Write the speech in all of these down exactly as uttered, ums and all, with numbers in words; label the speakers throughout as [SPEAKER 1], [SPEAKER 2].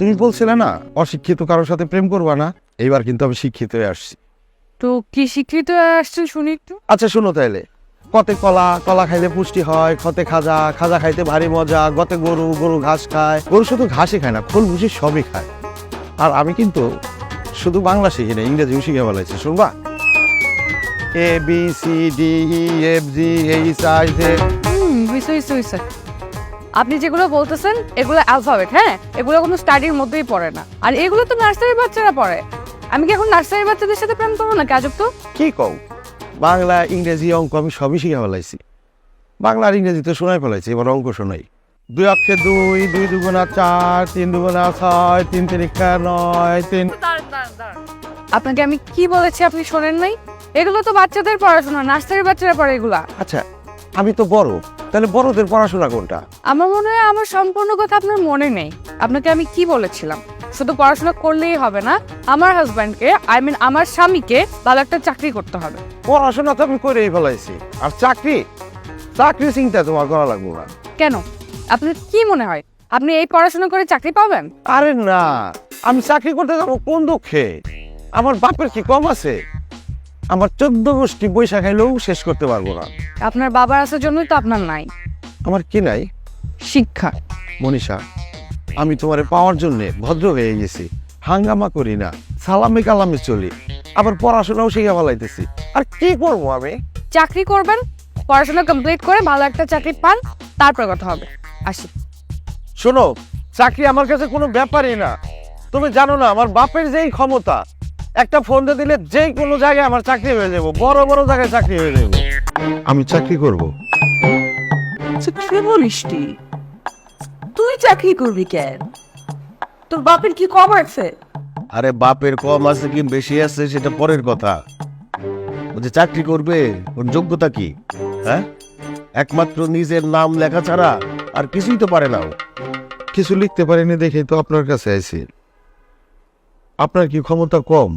[SPEAKER 1] তুমি বলছিলে না অশিক্ষিত কারোর সাথে প্রেম করবা না, এইবার কিন্তু আমি শিক্ষিত হয়ে আসছি।
[SPEAKER 2] তো কি শিক্ষিত আসছে শুনি একটু।
[SPEAKER 1] আচ্ছা শোনো তাইলে, কতে কলা, কলা খাইলে পুষ্টি হয়, খতে খাজা, খাজা খাইতে ভারী মজা, গতে গরু, গরু ঘাস খায়, গরু শুধু ঘাসই খায় না, খোল ভুসি সবই খায়। আর আমি কিন্তু শুধু বাংলা শিখি না, ইংরেজিও শিখে বলাইছি, শুনবা? A B C D E F G H I J.
[SPEAKER 2] হুম হইছে হইছে হইছে। আপনি যেগুলো বলতেছেন এগুলো অ্যালফাবেট, হ্যাঁ, এগুলো কোনো স্টাডির মধ্যেই পড়ে না। আর এগুলো তো নার্সারির বাচ্চারা পড়ে। আমি কি এখন নার্সারির বাচ্চাদের সাথে প্রেম করবো না? কাজব তো।
[SPEAKER 1] কি কও? বাংলা, ইংরেজি, অঙ্ক আমি সবই শিখে ফেলাইছি। বাংলা আর ইংরেজি তো শোনাই ফেলাইছি, এবার অঙ্ক শোনাই। দুই অক্ষে দুই, দুই দুগুণা চার, তিন দুগুণা ছয়, তিন তিরিকা নয়, তিন।
[SPEAKER 2] আপনাকে আমি কি বলেছি আপনি শোনেন নাই? এগুলো তো বাচ্চাদের পড়াশোনা, নার্সারির বাচ্চারা পড়ে এগুলা।
[SPEAKER 1] আচ্ছা আমি তো বড়, তাহলে বড়দের পড়াশোনা কোনটা?
[SPEAKER 2] আমার মনে হয় আমার সম্পূর্ণ কথা আপনার মনে নেই। আপনাকে আমি কি বলেছিলাম, শুধু পড়াশোনা করলেই হবে না, আমার হাজব্যান্ডকে, আই মিন আমার স্বামীকে ভালো একটা চাকরি করতে হবে।
[SPEAKER 1] পড়াশোনা তো আমি করেই ফেলাইছি, আর চাকরি, চাকরি চিন্তা তোমার করা লাগবে না।
[SPEAKER 2] কেন? আপনার কি মনে হয় আপনি এই পড়াশোনা করে চাকরি পাবেন?
[SPEAKER 1] আরে না, আমি চাকরি করতে যাবো কোন দুঃখে? আমার বাপের কি কম আছে? আমার চোদ্দ গোষ্ঠী পয়সা খাইলেও শেষ করতে পারবো না।
[SPEAKER 2] আপনার বাবার আসার জন্যই তো আপনার নাই
[SPEAKER 1] আমার কি নাই?
[SPEAKER 2] শিক্ষা।
[SPEAKER 1] মনীষা, আমি তোমারে পাওয়ার জন্যে ভদ্র হয়ে গেছি, হাঙ্গামা করি না, সালামে কালামে চলি, আবার পড়াশোনাও শিখে ফেলাইতেছি। আর কি করবো আমি?
[SPEAKER 2] চাকরি করবেন, পড়াশোনা কমপ্লিট করে ভালো একটা চাকরি পান, তারপর কথা হবে। আসি।
[SPEAKER 1] শোনো, চাকরি আমার কাছে কোনো ব্যাপারই না। তুমি জানো না আমার বাপের যেই ক্ষমতা, একটা ফোন দিয়ে দিলে যে কোনো জায়গায় আমার চাকরি হয়ে যাবো, বড় বড় জায়গায় চাকরি হয়ে যাবো। আমি চাকরি করব।
[SPEAKER 3] কি বলিস তুই? তুই চাকরি করবি কেন? তোর বাপের কি কম আছে?
[SPEAKER 4] আরে বাপের কম আছে কি বেশি আছে সেটা পরের কথা। বলছে চাকরি করবে, ওর যোগ্যতা কি? হ্যাঁ, একমাত্র নিজের নাম লেখা ছাড়া আর কিছুই তো পারে না ও।
[SPEAKER 1] কিছু লিখতে পারিনি দেখেই তো আপনার কাছে আইছি। আপনার কি ক্ষমতা কম?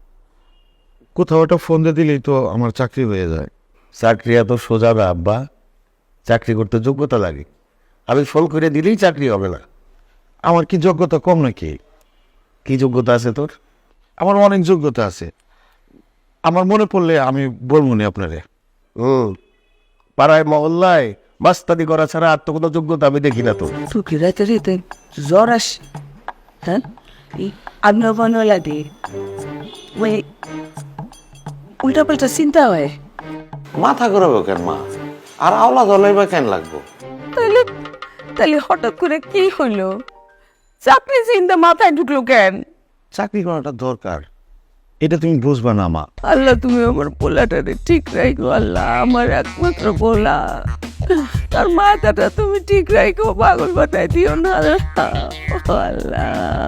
[SPEAKER 1] কোথাও একটা ফোন দিয়ে দিলেই তো আমার চাকরি হয়ে যায়।
[SPEAKER 4] চাকরি এত সোজা না আব্বা, চাকরি করতে যোগ্যতা লাগে। আমি ফোন করে দিলেই চাকরি হবে না।
[SPEAKER 1] আমার কি যোগ্যতা কম নাকি?
[SPEAKER 4] কি যোগ্যতা আছে তোর?
[SPEAKER 1] আমার অনেক যোগ্যতা আছে, আমার মনে পড়লে আমি বলবো না আপনারে।
[SPEAKER 4] হুম, পাড়ায় মহল্লায় মাস্তানি করা ছাড়া আর তো কোনো যোগ্যতা আমি দেখি না তো।
[SPEAKER 3] তুই কি রাতে রাতে জ্বর আসে? হ্যাঁ, আগ্ন বানো লাগে, ওই উল্টা পাল্টা চিন্তা হয়।
[SPEAKER 1] মাথা ঘুরাবো কেন মা? আর আওলা জলাই বা কেন লাগবো?
[SPEAKER 3] তাহলে তাহলে হঠাৎ করে কি হইলো? চাকরি চিন্তা মাথায় ঢুকলো কেন?
[SPEAKER 1] চাকরি করাটা দরকার, এটা তুমি বুঝবা না মা।
[SPEAKER 3] আল্লাহ তুমি আমার পোলাটারে ঠিক রাখো, আল্লাহ আমার একমাত্র পোলা, তার মাথাটা তুমি ঠিক রাখো, পাগল বানাই দিও না আল্লাহ।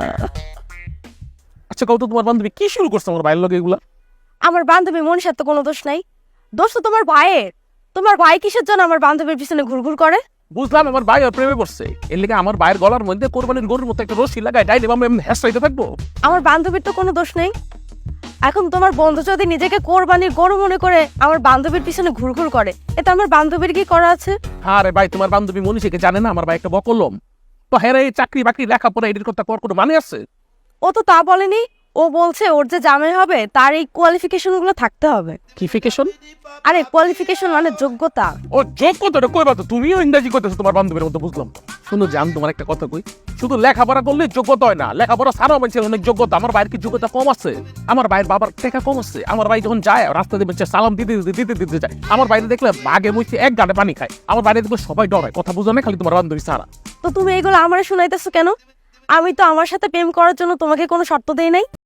[SPEAKER 5] আচ্ছা কত তোমার বান্ধবী কি শুরু করছে আমার ভাইয়ের লগে এগুলা?
[SPEAKER 6] আমার বান্ধবী মনীষার তো কোনো দোষ নাই, দোষ তো তোমার ভাইয়ের। তোমার ভাই কিসের জন্য আমার বান্ধবীর পিছনে ঘুরঘুর করে?
[SPEAKER 5] বুঝলাম আমার ভাই ওর প্রেমে পড়ছে, এর লেগে আমার ভাইয়ের গলার মধ্যে কোরবানির গরুর মতো একটা রশি লাগায় ডাইলে আমরা এমনি হ্যাসরাইতে থাকবো?
[SPEAKER 6] আমার বান্ধবীর তো কোনো দোষ নেই। এখন তোমার বন্ধু যদি নিজেকে কোরবানির গরু মনে করে আমার বান্ধবীর পিছনে ঘুরঘুর করে, এতে আমার বান্ধবীর কি করা আছে?
[SPEAKER 5] হ্যাঁ রে ভাই, তোমার বান্ধবী মনীষীকে জানে না আমার ভাই একটা বকলম? তো হ্যাঁ এই চাকরি বাকরি লেখাপড়া এটির কথা কর কোনো মানে আছে?
[SPEAKER 6] ও তো তা বলেনি, ও বলছে ওর যে জামাই হবে তার এই কোয়ালিফিকেশন গুলো থাকতে হবে।
[SPEAKER 5] কি ফিকেশন?
[SPEAKER 6] আরে কোয়ালিফিকেশন মানে যোগ্যতা।
[SPEAKER 5] ও যোগ্যতাটা কইবা তো, তুমিও ইংরেজি কইতেছো তোমার বান্ধবীর মতো, বুঝলাম। শুনো জান, তোমার একটা কথা কই, শুধু লেখাপড়া করলে যোগ্যতা হয় না, লেখাপড়া ছাড়াও মানুষের অনেক যোগ্যতা। আমার ভাইয়ের কি যোগ্যতা কম আছে? আমার ভাইয়ের বাবার টাকা কম আছে? আমার ভাই যখন যায় রাস্তা দিয়ে বেঁচে সালাম দিতে দিতে দিতে দিতে যায়, আমার বাইরে দেখলে বাঘে মুছে এক গাড়ে পানি খায়। আমার বাইরে দেখলে সবাই ডরায়, কথা বুঝো না খালি তোমার বান্ধবী ছাড়া।
[SPEAKER 6] তো তুমি এগুলো আমারে শোনাইতেছো কেন? আমি তো আমার সাথে প্রেম করার জন্য তোমাকে কোনো শর্ত দেই নাই।